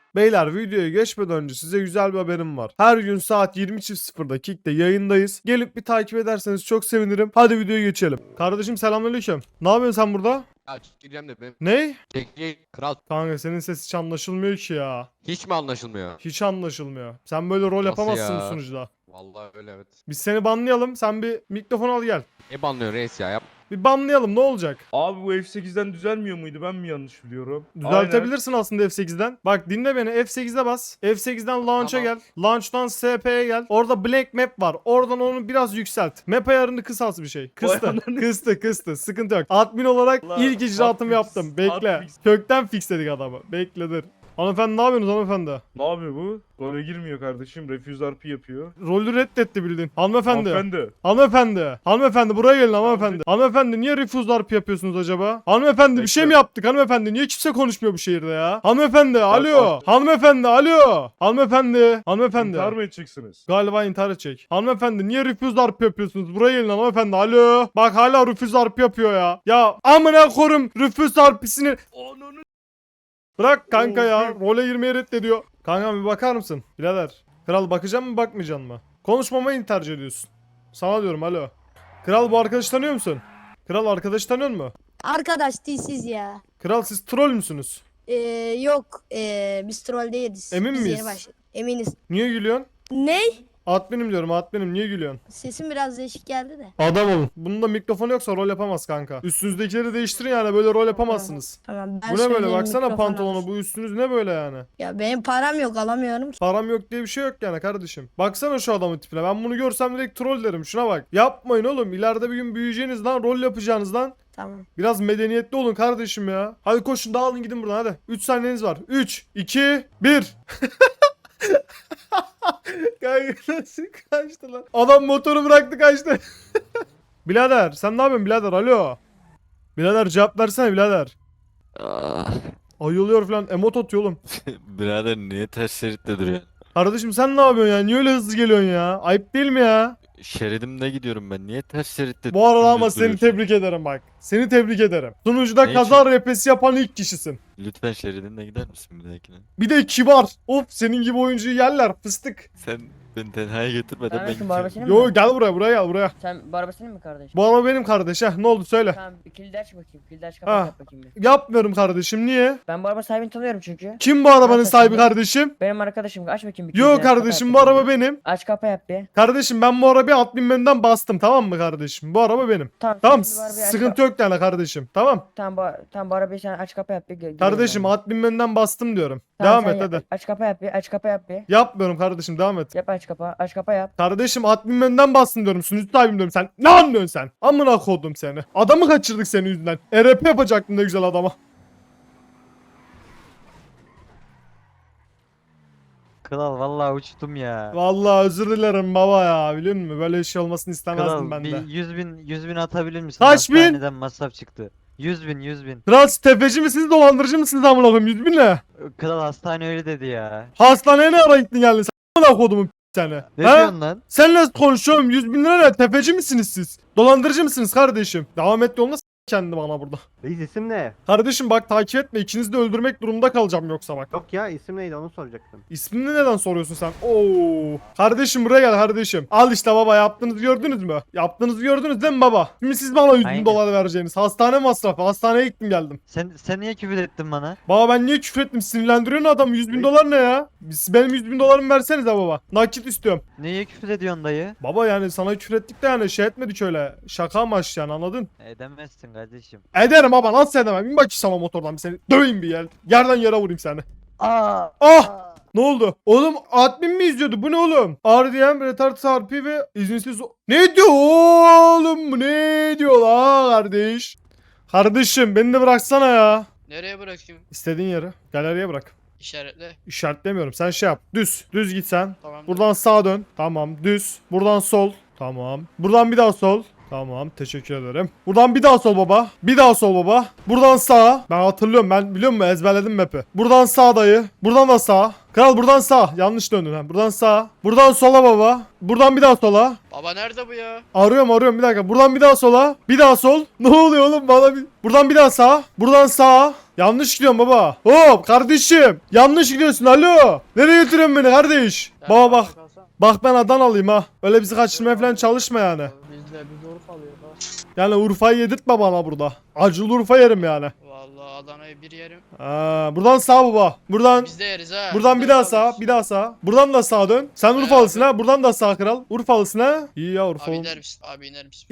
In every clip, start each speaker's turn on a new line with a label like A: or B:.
A: Beyler videoya geçmeden önce size güzel bir haberim var. Her gün saat 20.00'da Kick'te yayındayız. Gelip bir takip ederseniz çok sevinirim. Hadi videoya geçelim. Kardeşim selamünaleyküm. Ne yapıyorsun sen burada?
B: Ya gireceğim de benim.
A: Ne?
B: Kral
A: Kanka senin ses hiç anlaşılmıyor ki ya.
B: hiç mi anlaşılmıyor?
A: Hiç anlaşılmıyor. Sen böyle rol
B: Nasıl
A: yapamazsın bu
B: ya?
A: sunucuda.
B: Vallahi öyle evet.
A: Biz seni banlayalım. Sen bir mikrofon al gel.
B: Ne banlıyor reis ya?
A: Bir banlayalım ne olacak?
C: Abi bu F8'den düzelmiyor muydu? Ben mi yanlış biliyorum?
A: Düzeltebilirsin aslında F8'den. Bak dinle beni, F8'e bas. F8'den launch'a
B: Tamam.
A: gel. Launch'tan SP'ye gel. Orada blank map var. Oradan onu biraz yükselt. Map ayarını kısalt bir şey. Kıstı.
C: ananı-
A: Kıstı. Sıkıntı yok. Admin olarak
C: Allah,
A: ilk icraatımı
C: hotfix,
A: yaptım. Bekle.
C: hotfix.
A: Kökten fixledik adamı. Bekle dur. Hanımefendi ne yapıyorsunuz hanımefendi?
C: Ne yapıyor bu? Role girmiyor kardeşim. Refuse RP yapıyor.
A: Rolü reddetti bildiğin. Hanımefendi.
C: Hanımefendi.
A: Hanımefendi buraya gelin hanımefendi. Hanımefendi niye refuse RP yapıyorsunuz acaba? Hanımefendi bir şey mi
C: Bekle.
A: yaptık hanımefendi? Niye kimse konuşmuyor bu şehirde ya? Hanımefendi alo.
C: bak.
A: Hanımefendi alo. Hanımefendi. Hanımefendi.
C: İntihar mı edeceksiniz?
A: Galiba intihar edecek. Hanımefendi niye refuse RP yapıyorsunuz? Buraya gelin hanımefendi alo. Bak hala refuse RP yapıyor ya. Ya amına korum refuse RP'sini.
C: Ananı.
A: Bırak kanka ya.
C: Of.
A: Role girmeye reddediyor. Kanka bir bakar mısın? Birader. Kral bakacak mı bakmayacaksın mı? Konuşmamayı tercih ediyorsun. Sana diyorum alo. Kral bu arkadaşı tanıyor musun? Kral arkadaşı tanıyor mu?
D: Arkadaş değilsiz ya.
A: Kral siz troll müsünüz?
D: Yok. Biz troll değiliz.
A: Emin
D: Biz
A: miyiz?
D: yeni başladık. Eminiz.
A: Niye gülüyorsun?
D: Ne?
A: Adminim diyorum adminim niye gülüyorsun?
D: Sesim biraz değişik geldi de.
A: Adam olun. Bunun da mikrofonu yoksa rol yapamaz kanka. Üstünüzdekileri değiştirin yani böyle rol yapamazsınız.
D: Tamam ben
A: Bu ne böyle
D: söyleyeyim,
A: baksana
D: mikrofonu
A: pantolonu
D: alsın.
A: bu üstünüz ne böyle yani?
D: Ya benim param yok alamıyorum ki.
A: Param yok diye bir şey yok yani kardeşim. Baksana şu adamın tipine ben bunu görsem direkt troll derim şuna bak. Yapmayın oğlum ileride bir gün büyüyeceğiniz lan rol yapacağınız lan.
D: Tamam.
A: Biraz medeniyetli olun kardeşim ya. Hadi koşun dağılın gidin buradan hadi. 3 saniyeniz var. 3, 2, 1. Kanka nasıl kaçtı lan? Adam motoru bıraktı kaçtı. Birader sen ne yapıyorsun birader alo. Birader cevap versene birader.
E: Ah,
A: Ayılıyor falan emot atıyor oğlum.
E: birader niye ters şeritte duruyor?
A: Kardeşim sen ne yapıyorsun ya? Niye öyle hızlı geliyorsun ya? Ayıp değil mi ya?
E: Şeridimde gidiyorum ben. Niye ters şeritte
A: Bu arada ama
E: dümdüz
A: seni
E: duruyorsun?
A: tebrik ederim bak. Seni tebrik ederim. Sunucuda
E: Ne
A: kaza
E: için?
A: repesi yapan ilk kişisin.
E: Lütfen şeridimde gider misin bir dahakine?
A: Bir de kibar. Of senin gibi oyuncuyu yerler fıstık.
E: Sen beni tenhaya götürmeden ben
F: Kardeşim bu
E: gideceğim.
F: araba senin mi?
A: Yo gel buraya gel buraya.
F: Sen bu araba senin mi kardeşim?
A: Bu araba benim kardeş ha ne oldu söyle.
F: Tamam bir kilidi aç bakayım. Kilidi aç
A: Ha.
F: kapat yap bakayım bir.
A: Yapmıyorum kardeşim niye?
F: Ben bu araba sahibini tanıyorum çünkü.
A: Kim bu arabanın
F: Nasıl
A: sahibi
F: şimdi?
A: kardeşim?
F: Benim arkadaşım aç bakayım bir kilidi
A: Yo
F: aç, kapa
A: kardeşim
F: yap
A: bu
F: bakayım
A: araba
F: bir.
A: benim.
F: Aç kapa yap bir.
A: Kardeşim ben bu arabayı admin menüden bastım tamam mı kardeşim? Bu araba benim. Tamam
F: şimdi bu arabayı aç
A: sıkıntı yok yani kardeşim tamam.
F: Tamam bu arabayı sen aç kapa yap bir. Geliyorum
A: Kardeşim
F: ben.
A: admin menüden bastım diyorum.
F: Tamam,
A: Devam
F: sen
A: et
F: yap.
A: hadi.
F: Aç kapa yap bir. Aç kapa yap bir.
A: Yapmıyorum kardeşim devam et.
F: Yap aç kapa yap.
A: Kardeşim admin menüden bastım diyorum. Sunucu sahibim diyorum. Sen ne anlıyorsun sen? Amına kodum seni. Adamı kaçırdık senin yüzünden. RP yapacaktın ne güzel adama.
G: Kral vallahi uçtum ya.
A: Vallahi özür dilerim baba ya. Biliyor musun? Böyle şey olmasını istemezdim
G: Kral
A: ben
G: bir
A: de.
G: 100 bin atabilir misin?
A: Kaç bin?
G: Hastaneden masraf çıktı. 100 bin.
A: Kral siz tefeci misiniz dolandırıcı mısınız amına koyayım 100 bin ne?
G: Kral hastane öyle dedi ya.
A: Hastaneye ne ara gittin geldin sen amına kodumun seni.
G: Ne
A: He?
G: diyorsun lan?
A: Sen nasıl konuşuyorum 100 bin lira ne? Tefeci misiniz siz? Dolandırıcı mısınız kardeşim? Devam et yoluna kendi bana burada.
H: Reis isim ne?
A: Kardeşim bak takip etme ikinizi de öldürmek durumunda kalacağım yoksa bak.
H: Yok ya isim neydi onu soracaktım.
A: İsmini neden soruyorsun sen? Oo. Kardeşim buraya gel kardeşim. Al işte baba yaptığınızı gördünüz mü? Yaptığınızı gördünüz değil mi baba? Şimdi siz bana 100 bin
G: Aynen.
A: dolar vereceğiniz. Hastane masrafı. Hastaneye gittim geldim.
G: Sen niye küfür ettin bana?
A: Baba ben niye küfür ettim? Sinirlendiriyorsun adam. 100 bin dolar ne ya? Benim 100 bin dolarımı versenize baba. Nakit istiyorum.
G: Niye küfür ediyorsun dayı?
A: Baba yani sana küfür ettik de yani şey etmedik öyle. Şaka amaçlı yani anladın?
G: Edemezsin kardeşim.
A: Ederim baba nasıl edemem? Bin bakayım sana motordan bir seni. Döveyim bir yer. Yerden yere vurayım seni.
G: Aa!
A: Ah! Ne oldu? Oğlum admin mi izliyordu? Bu ne oğlum? RDM, retard sarpi ve izinsiz... Ne diyor oğlum? Bu ne diyor la kardeş? Kardeşim beni de bıraksana ya.
I: Nereye bırakayım?
A: İstediğin yere. Galeriye bırak.
I: İşaretle.
A: İşaretlemiyorum. Sen şey yap. Düz. Düz git sen.
I: Tamam.
A: Buradan sağa dön. Tamam. Düz. Buradan sol. Tamam. Buradan bir daha sol. Tamam teşekkür ederim. Buradan bir daha sol baba. Bir daha sol baba. Buradan sağa. Ben hatırlıyorum, ben biliyor musun, ezberledim map'i. Buradan sağ dayı. Buradan da sağ. Kral buradan sağ. Yanlış döndün ha. Buradan sağ. Buradan sola baba. Buradan bir daha sola.
I: Baba nerede bu ya?
A: Arıyorum bir dakika. Buradan bir daha sola. Bir daha sol. Ne oluyor oğlum bana bir... Buradan bir daha sağ. Buradan sağa. Yanlış gidiyorum baba. Hop kardeşim. Yanlış gidiyorsun, alo. Nereye götürüyorsun beni kardeş? Baba bak. Bak ben Adanalıyım ha. Öyle bizi kaçırmaya falan çalışma yani.
I: Biz Urfa alıyoruz ha.
A: Yani Urfa'yı yedirtme bana burada. Acılı Urfa yerim yani.
I: Vallahi Adana'yı bir yerim.
A: Buradan sağ baba. Buradan
I: Biz de yeriz ha.
A: buradan
I: Biz
A: bir
I: de
A: daha sağ,
I: alıyoruz.
A: bir daha sağ. Buradan da sağa dön. Sen Urfalısın ha. Buradan da sağ kral. Urfalısın ha. İyi ya Urfa.
I: Abi iner misin? Abi iner misin?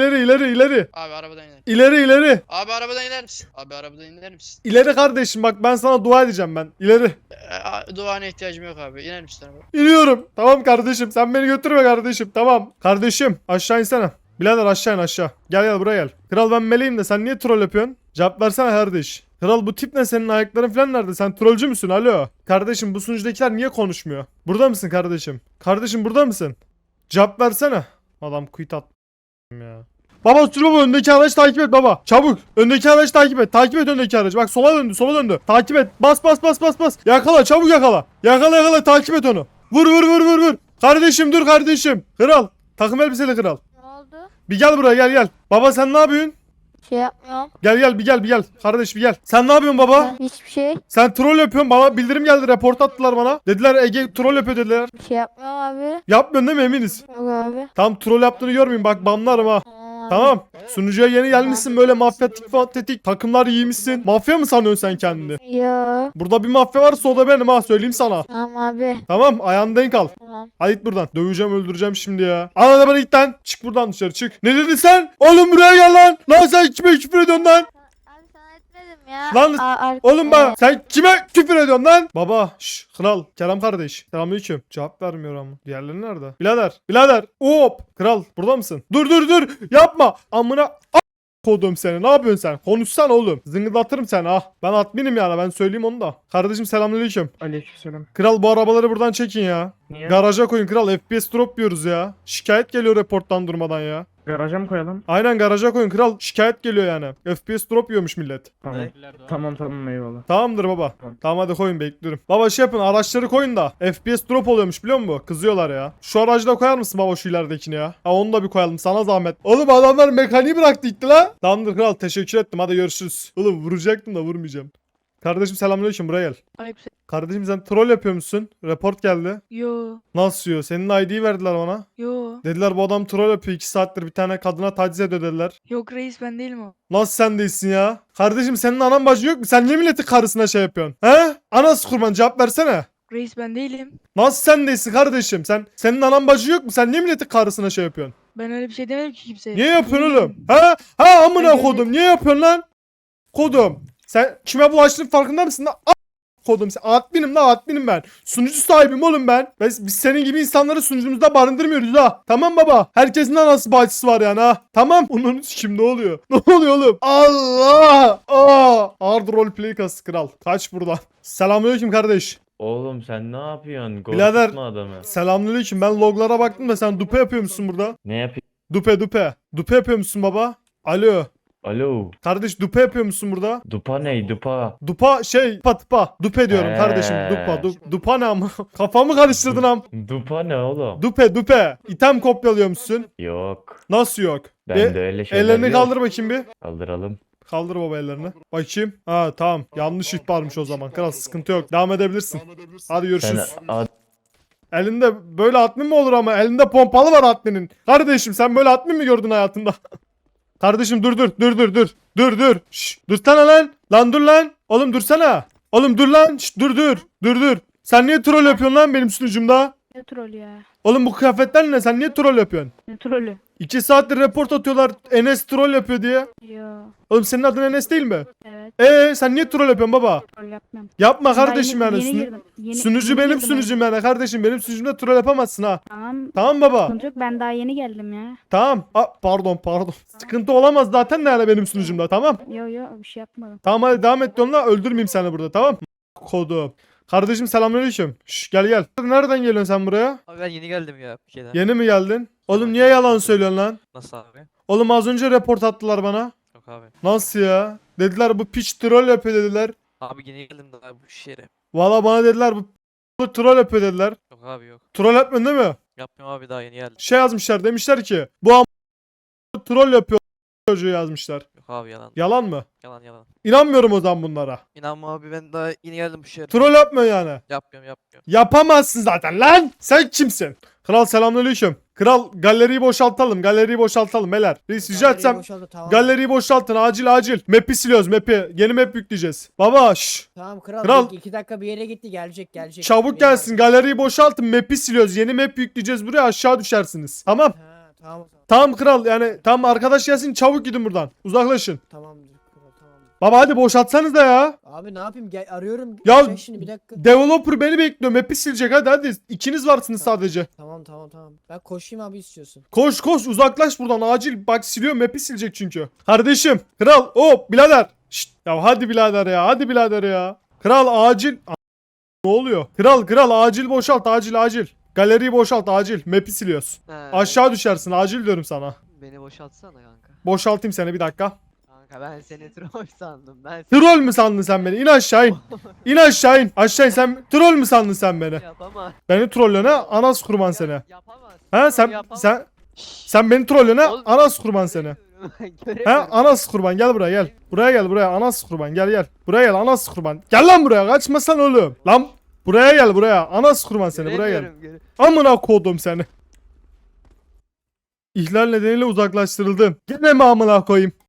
A: İleri.
I: Abi arabadan iner.
A: İleri.
I: Abi arabadan iner misin? Abi arabadan iner misin?
A: İleri kardeşim, bak ben sana dua edeceğim ben. İleri.
I: Duana ihtiyacım yok abi. İner misin araba?
A: İniyorum. Tamam kardeşim, sen beni götürme kardeşim. Tamam. Kardeşim aşağı insene. Birader aşağı in aşağı. Gel buraya gel. Kral ben meleğim de sen niye troll yapıyorsun? Cevap versene kardeş. Kral bu tip ne, senin ayakların falan nerede? Sen trollcü müsün? Alo. Kardeşim bu sunucudakiler niye konuşmuyor? Burada mısın kardeşim? Kardeşim burada mısın? Cevap versene. Adam quit at ya. Baba sür baba, öndeki araç takip et baba. Çabuk. Öndeki araç takip et. Takip et öndeki aracı. Bak sola döndü. Takip et. Bas. Yakala, çabuk yakala. Yakala takip et onu. Vur. Kardeşim dur kardeşim. Kral. Takım elbiseli kral.
D: Ne oldu?
A: Bir gel buraya gel. Baba sen ne yapıyorsun?
D: Şey yapmıyorum.
A: Gel bir gel. Kardeş bir gel. Sen ne yapıyorsun baba?
D: Hiçbir şey.
A: Sen troll yapıyorsun. Bana bildirim geldi. Report attılar bana. Dediler Ege troll yapıyor dediler.
D: Bir şey yapmıyorum abi.
A: Yapmıyorsun değil mi, eminiz?
D: Yok abi.
A: Tam troll yaptığını görmeyeyim. Bak banlarım ha. Tamam. Sunucuya yeni gelmişsin, böyle mafyatik fantetik. Takımlar giymişsin. Mafya mı sanıyorsun sen kendini?
D: Ya.
A: Burada bir mafya varsa o da benim ha, söyleyeyim sana.
D: Tamam abi.
A: Tamam, ayağını denk al.
D: Tamam.
A: Hadi git buradan. Döveceğim, öldüreceğim şimdi ya. Ana bana git lan. Çık buradan dışarı çık. Ne dedin sen? Oğlum buraya gel lan. Lan sen kime küfür ediyorsun lan?
D: Abi sana etmedim ya.
A: Lan, Oğlum bak sen kime küfür ediyorsun lan? Baba kral Kerem kardeş. Selamünaleyküm. Cevap vermiyor ama. Diğerleri nerede? Birader. Hop. Kral burada mısın? Dur. Yapma. Amına kodum seni. Ne yapıyorsun sen? Konuşsana oğlum. Zıngıldatırım seni ha. Ben adminim yani, ben söyleyeyim onu da. Kardeşim selamünaleyküm.
C: Aleykümselam.
A: Kral bu arabaları buradan çekin ya.
C: Niye?
A: Garaja koyun kral. FPS drop yiyoruz ya. Şikayet geliyor reporttan durmadan ya.
C: Garaja mı koyalım?
A: Aynen garaja koyun kral. Şikayet geliyor yani. FPS drop yiyormuş millet.
C: Tamam eyvallah.
A: Tamamdır baba. Tamam hadi koyun, bekliyorum. Baba şey yapın, araçları koyun da. FPS drop oluyormuş biliyor musun? Kızıyorlar ya. Şu aracı da koyar mısın baba, şu ileridekini ya? Ha onu da bir koyalım sana zahmet. Oğlum adamlar mekaniği bıraktı gitti la. Tamamdır kral, teşekkür ettim, hadi görüşürüz. Oğlum vuracaktım da vurmayacağım. Kardeşim selamünaleyküm, buraya gel.
J: Aleyküm.
A: Kardeşim sen troll yapıyor musun? Report geldi.
J: Yo.
A: Nasıl yiyor? Senin ID'yi verdiler bana.
J: Yo.
A: Dediler bu adam troll yapıyor, 2 saattir bir tane kadına taciz ediyor dediler.
J: Yok reis ben değilim o.
A: Nasıl sen değilsin ya? Kardeşim senin anan bacı yok mu? Sen niye milletin karısına şey yapıyorsun? He? Anası kurban, cevap versene.
J: Reis ben değilim.
A: Nasıl sen değilsin kardeşim? Senin anan bacı yok mu? Sen niye milletin karısına şey yapıyorsun?
J: Ben öyle bir şey demedim ki kimseye.
A: Niye yapıyorsun
J: Yemin
A: oğlum?
J: ederim.
A: Ha amına
J: Ben
A: kodum. Niye yapıyorsun lan? Kodum. Sen kime bulaştığının farkında mısın lan? Kodum sen. Adminim ben. Sunucu sahibim oğlum ben. Biz senin gibi insanları sunucumuzda barındırmıyoruz ha. Tamam baba. Herkesin anası bacısı var yani ha. Tamam. Onun kim ne oluyor? Ne oluyor oğlum? Allah! Hard roleplay kası kral. Kaç buradan. Selamünaleyküm kardeş.
K: Oğlum sen ne yapıyorsun?
A: Birader.
K: Korkutma adamı.
A: Selamünaleyküm. Ben loglara baktım da sen dupe yapıyor musun burada?
K: Ne yapıyorsun?
A: Dupe. Dupe yapıyor musun baba? Alo.
K: Alo.
A: Kardeş dupe yapıyor musun burada?
K: Dupa ne? Dupa.
A: Dupa tıpa. Dupe diyorum kardeşim. Dupa ne ama? Kafamı karıştırdın am.
K: Dupa ne oğlum?
A: Dupe. İtem kopyalıyor musun?
K: Yok.
A: Nasıl yok?
K: Bende öyle şeyler
A: Ellerini
K: yok.
A: kaldır bakayım bir.
K: Kaldıralım.
A: Kaldır baba ellerini. Bakayım. Ha tamam. Yanlış ihbarmış o zaman. Kral sıkıntı yok. Devam edebilirsin. Hadi
K: Sen
A: görüşürüz. Elinde böyle admin mi olur ama? Elinde pompalı var adminin. Kardeşim sen böyle admin mi gördün hayatında? Kardeşim dur. Şşş, dursana lan. Lan dur lan. Oğlum dursana. Oğlum dur lan. Şşş, dur. Sen niye troll yapıyorsun lan benim sunucumda?
J: Ne troll ya?
A: Oğlum bu kıyafetler ne? Sen niye troll yapıyorsun?
J: Ne trollü?
A: 2 saattir report atıyorlar Enes troll yapıyor diye.
J: Yo.
A: Oğlum senin adın Enes değil mi?
J: Evet.
A: Sen niye troll yapıyorsun baba?
J: Troll yapmam.
A: Yapma
J: Daha
A: kardeşim
J: yeni-
A: yani.
J: yeni girdim.
A: Sunucu benim
J: girdim
A: sunucum yani kardeşim. Benim sunucumda troll yapamazsın ha.
J: Tamam.
A: Tamam baba.
J: Sıkıntı yok ben daha yeni geldim ya.
A: Tamam. Pardon. Sıkıntı olamaz zaten de yani benim sunucumda, tamam.
J: Yo bir şey yapmadım.
A: Tamam hadi devam et onunla, öldürmeyeyim seni burada, tamam. Kodum. Kardeşim selamünaleyküm. Şş, gel. Nereden geliyorsun sen buraya?
G: Abi ben yeni geldim ya bir şeyden.
A: Yeni mi geldin? Oğlum niye yalan söylüyorsun lan?
G: Nasıl abi?
A: Oğlum az önce report attılar bana.
G: Yok abi.
A: Nasıl ya? Dediler bu piç troll yapıyor dediler.
G: Abi yine geldim daha bu şehre.
A: Valla bana dediler bu troll yapıyor dediler.
G: Yok abi yok.
A: Troll yapmıyorsun değil mi?
G: Yapmıyorum abi daha yeni geldim.
A: Şey yazmışlar demişler ki bu troll yapıyor çocuğu yazmışlar.
G: Yok abi yalan.
A: Yalan mı?
G: Yalan yalan.
A: İnanmıyorum o zaman bunlara.
G: İnanma abi ben daha yeni geldim bu şehre.
A: Troll yapmıyor yani.
G: Yapmıyorum.
A: Yapamazsın zaten lan. Sen kimsin? Kral selamünaleyküm. Kral galeriyi boşaltalım. Galeriyi boşaltalım beyler. Reis rica etsem galeriyi boşaltın acil. Map'i siliyoruz map'i. Yeni map yükleyeceğiz. Baba şşş.
F: Tamam
A: Kral.
F: 2 dakika bir yere gitti gelecek.
A: Çabuk gelsin. Galeriyi boşaltın. Map'i siliyoruz. Yeni map yükleyeceğiz buraya aşağı düşersiniz. Tamam.
F: Tamam.
A: Tamam kral yani tam arkadaş gelsin çabuk gidin buradan. Uzaklaşın.
F: Tamamdır kral tamam.
A: Baba hadi boşaltsanız da ya.
F: Abi ne yapayım arıyorum.
A: Ya-
F: Çek şimdi bir dakika.
A: Developer beni bekliyor. Map'i silecek hadi. İkiniz varsınız sadece.
F: Tamam. Ben koşayım abi istiyorsun.
A: Koş uzaklaş buradan acil. Bak siliyor map'i silecek çünkü. Kardeşim kral hop birader. Şşt, ya hadi birader ya. Kral acil. Ne oluyor? Kral acil boşalt acil. Galeriyi boşalt acil. Map'i siliyoruz. Aşağı düşersin acil diyorum sana.
G: Beni boşaltsana kanka.
A: Boşaltayım seni bir dakika.
G: Kanka ben seni troll sandım.
A: Troll mü sandın sen beni? İn aşağı in. İn aşağı in. Aşağı in sen. Troll mü sandın sen beni?
G: Yapamaz.
A: Beni trollüyorsun ha? Anas kurban seni.
G: Yapamaz.
A: Ha sen beni trollüyorsun ha? Anas kurban seni. Ha anas kurban gel buraya gel. Buraya anas kurban gel. Buraya gel anas kurban. Gel lan buraya kaçmasan oğlum. Lan buraya gel buraya. Anas kurban seni buraya gel. Amına kodum seni. İhlal nedeniyle uzaklaştırıldım. Gene mi amına koyayım?